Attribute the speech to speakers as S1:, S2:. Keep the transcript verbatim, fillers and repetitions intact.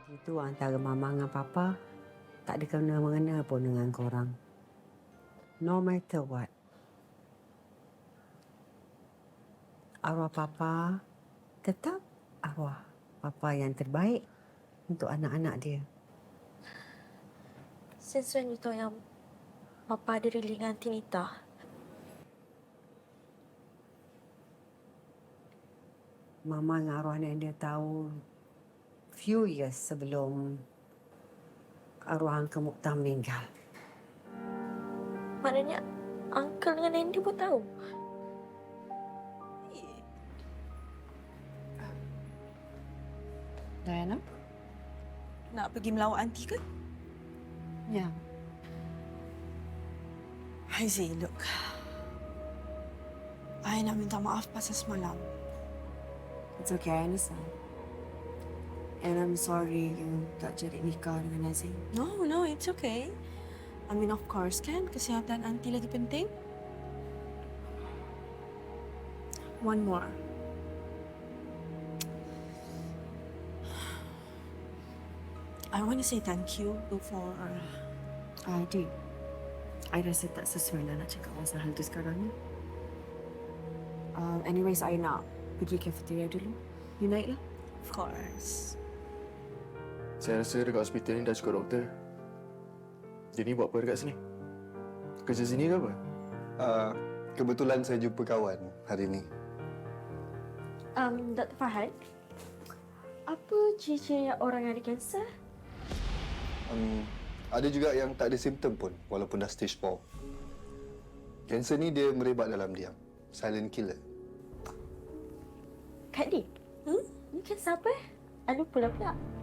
S1: Itu antara mama dengan papa. Tak ada kena-mengena pun dengan korang. No matter what. Arwah papa tetap arwah papa yang terbaik untuk anak-anak dia.
S2: Since when you tahu yang Papa ada really dengan Tinita?
S1: Mama dengan arwah nenek dia tahu few years sebelum arwah Uncle Mukhtar meninggal.
S2: Maknanya Uncle dengan Andy pun tahu?
S3: Diana? Nak pergi melawat aunty ke?
S1: Ya.
S3: Haizi, look. I nak minta maaf pasal semalam.
S1: It's okay, I understand. And I'm sorry you tak jadi nikah dengan Nazim.
S3: No, no, it's okay. I mean, of course, kan? Kesihatan aunty lagi penting. One more. I want to say thank you for...
S1: I did. I rasa tak sesuai lah nak cakap pasal hal tu sekarang ni. Uh, anyways, I nak pergi cafeteria dulu. You naik lah.
S3: Of course.
S4: Saya rasa dekat hospital ni dah cukup doktor. Dia ni buat apa dekat sini? Kerja sini ke apa?
S5: Uh, kebetulan saya jumpa kawan hari ni.
S2: Um, Doktor Farhan, apa ciri-ciri orang yang ada kanser?
S5: Um, ada juga yang tak ada simptom pun walaupun dah stage four. Kanser ni dia merebak dalam diam. Silent killer.
S2: Kak Di, hmm? Ni kanser apa? I lupa lah pula.